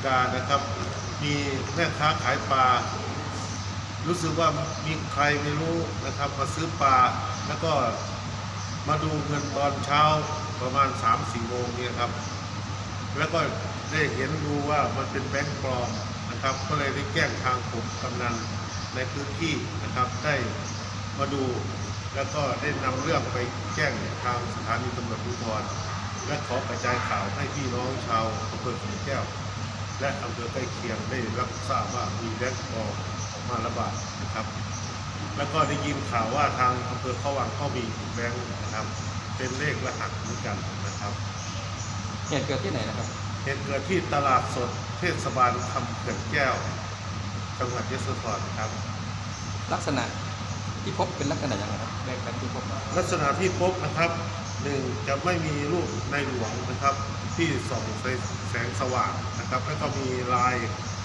กานะครับมีแม่ค้าขายปลารู้สึกว่ามีใครไม่รู้นะครับมาซื้อปลาแล้วก็มาดูเงินตอนเช้าประมาณ 3-4 โมงเนี่ยครับแล้วก็ได้เห็นดูว่ามันเป็นแบงก์ปลอมนะครับก็เลยได้แจ้งทางผมกำนันในพื้นที่นะครับได้มาดูแล้วก็ได้นำเรื่องไปแจ้งทางสถานีตำรวจภูธรและขอกระจายข่าวให้พี่น้องชาวอำเภอขุนแก้วและอำเภอใกล้เคียงได้รับทราบว่ามีแบงก์ปลอมออกมาระบาดนะครับแล้วก็ได้ยินข่าวว่าทางอำเภอเขาวังก็มีแบงก์นะครับเป็นเลขรหัสเหมือนกันนะครับเหตุเกิดที่ไหนนะครับเหตุเกิดที่ตลาดสดเทศบาลคำเขื่อนแก้วจังหวัดยโสธรครับลักษณะที่พบเป็นลักษณะอย่างไรครับแบงค์ที่พบลักษณะที่พบนะครับหนึ่งจะไม่มีรูปในหลวงนะครับที่ส่องแสงสว่างนะครับแล้วก็มีลาย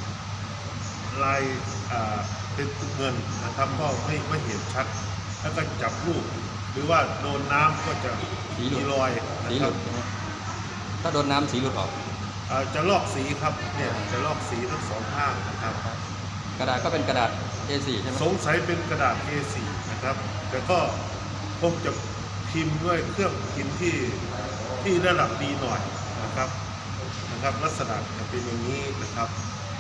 เป็นเงินนะครับก็ไม่เห็นชัดแล้วก็จับรูปหรือว่าโดนน้ำก็จะมีรอยนะครับถ้าโดนน้ำสีหลุดออกจะลอกสีครับเนี่ยจะลอกสีทั้งสองข้างนะครับกระดาษก็เป็นกระดาษ A4 ใช่ไหมสงสัยเป็นกระดาษ A4 นะครับแต่ก็คงจะพิมพ์ด้วยเครื่องพิมพ์ที่ระดับดีหน่อยนะครับลักษณะจะเป็นอย่างนี้นะครับ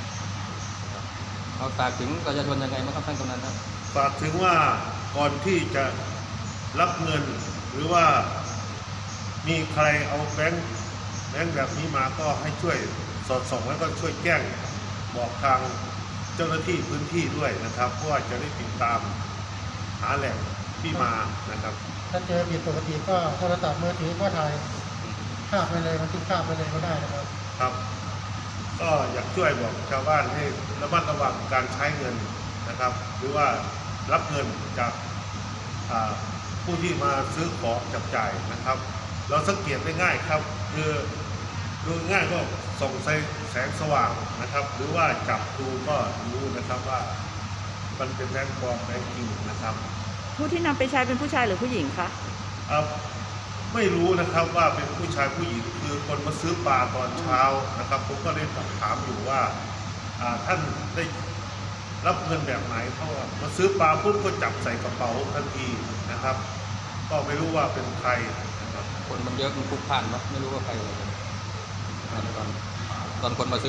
เอาฝากถึงประชาชนยังไงบ้างครับท่านกำนันครับฝากถึงว่าก่อนที่จะรับเงินหรือว่ามีใครเอาแบงค์แบบนี้มาก็ให้ช่วยสอดส่องแล้วก็ช่วยแจ้งบอกทางเจ้าหน้าที่พื้นที่ด้วยนะครับเพราะว่าจะได้ติดตามหาแหล่งที่มานะครับถ้าเจอผิดปกติก็โทรศัพท์มือถือก็ถ่ายภาพไปเลยบันทึกภาพไปเลยก็ได้นะครับครับก็อยากช่วยบอกชาวบ้านให้ระมัดระวังการใช้เงินนะครับหรือว่ารับเงินจากผู้ที่มาซื้อของจับจ่ายนะครับเราสังเกตได้ง่ายครับคือดูง่ายก็ส่องแสงสว่างนะครับหรือว่าจับดูก็รู้นะครับว่ามันเป็นแบงค์ปลอมแบงค์จริงนะครับผู้ที่นำไปใช้เป็นผู้ชายหรือผู้หญิงคะไม่รู้นะครับว่าเป็นผู้ชายผู้หญิงคือคนมาซื้อปลาตอนเช้านะครับผมก็เลยถามอยู่ว่าท่านได้รับเงินแบบไหนเพราะว่ามาซื้อปลาปุ๊บก็จับใส่กระเป๋าทันทีนะครับก็ไม่รู้ว่าเป็นใครนะครับคนมันเยอะมันพลุกพล่านไม่รู้ว่าใครตอนคนมาซื้อ